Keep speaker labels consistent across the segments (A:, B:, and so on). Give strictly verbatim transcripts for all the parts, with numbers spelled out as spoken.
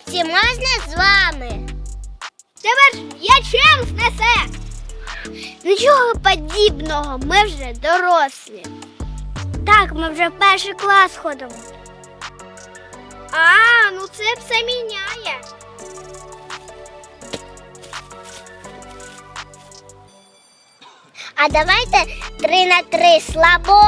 A: Хлопці, можна з вами?
B: Тебе ж м'ячем знесе. Нічого подібного, ми вже дорослі. Так, ми вже в перший клас ходимо. А, ну це все міняє.
A: А давайте три на три слабо.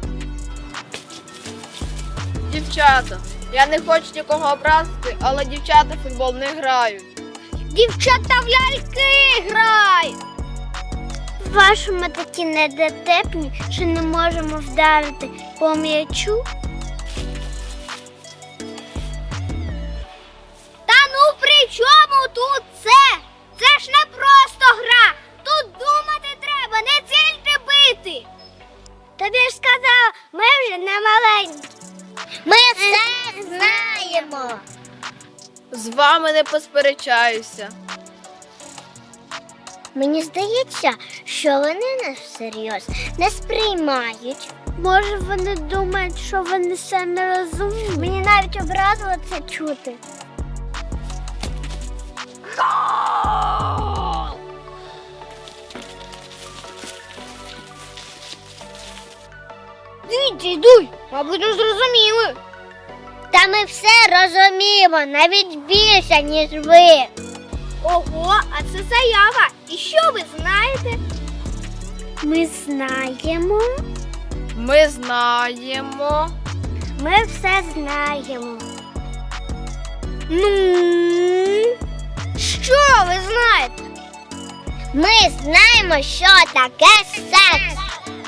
C: Дівчата, я не хочу нікого образити, але дівчата в футбол не грають.
B: Дівчата в ляльки грають. Вашому такі недотепні, що не можемо вдарити по м'ячу. Та ну при чому тут це? Це ж не просто гра. Тут думати треба, не тільки бити. Тобі ж сказала, ми вже не маленькі.
A: Ми все знаємо.
C: З вами не посперечаюся.
A: Мені здається, що вони нас всерйоз не сприймають.
B: Може, вони думають, що вони самі розумні? Мені навіть образило це чути. Дійте, йдуй, мабуть, не зрозуміли.
A: Та ми все розуміємо, навіть більше, ніж ви.
B: Ого, а це заява. І що ви знаєте? Ми знаємо.
C: Ми знаємо.
B: Ми все знаємо. Ну, що ви знаєте?
A: Ми знаємо, що таке секс.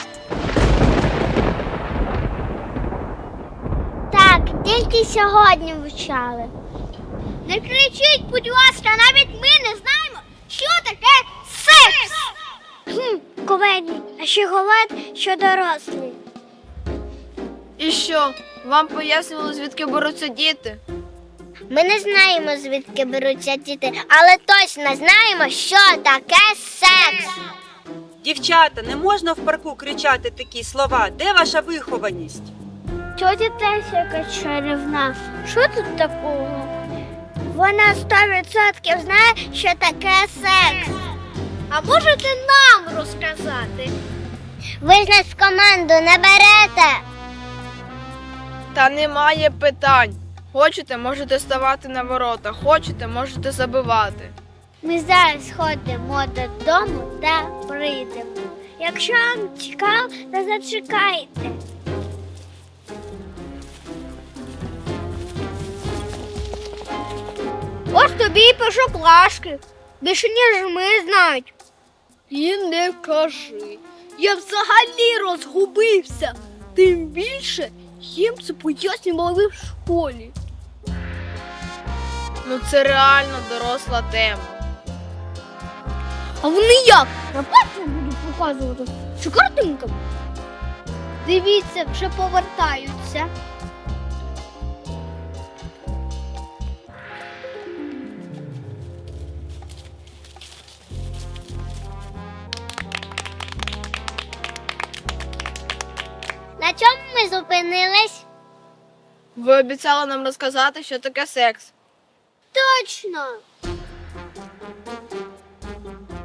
B: Так, тільки сьогодні вивчали. Не кричіть, будь ласка, навіть ми не знаємо, що таке секс. Хм, кумедні, а ще говорять, що дорослі.
C: І що, вам пояснювали, звідки беруться діти?
A: Ми не знаємо, звідки беруться діти, але точно знаємо, що таке секс.
D: Дівчата, не можна в парку кричати такі слова. Де ваша вихованість?
B: Тьотя теж якась чарівна. Що тут такого? Вона сто відсотків знає, що таке секс. А можете нам розказати?
A: Ви ж нас в команду не берете.
C: Та немає питань. Хочете, можете ставати на ворота, хочете, можете забивати.
B: Ми зараз ходимо додому та прийдемо. Якщо вам цікаво, то зачекайте. Ось тобі і першоклашки. Більше, ніж ми знають.
E: І не кажи. Я взагалі розгубився. Тим більше їм це пояснювали в школі.
C: Ну це реально доросла тема.
E: А вони як? На пальці будуть показувати? Чи картинками?
B: Дивіться, вже повертаються.
A: На чому ми зупинились?
C: Ви обіцяли нам розказати, що таке секс.
B: Точно.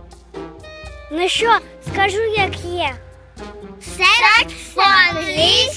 B: Ну що, скажу, як є.
A: Секс по-англійськи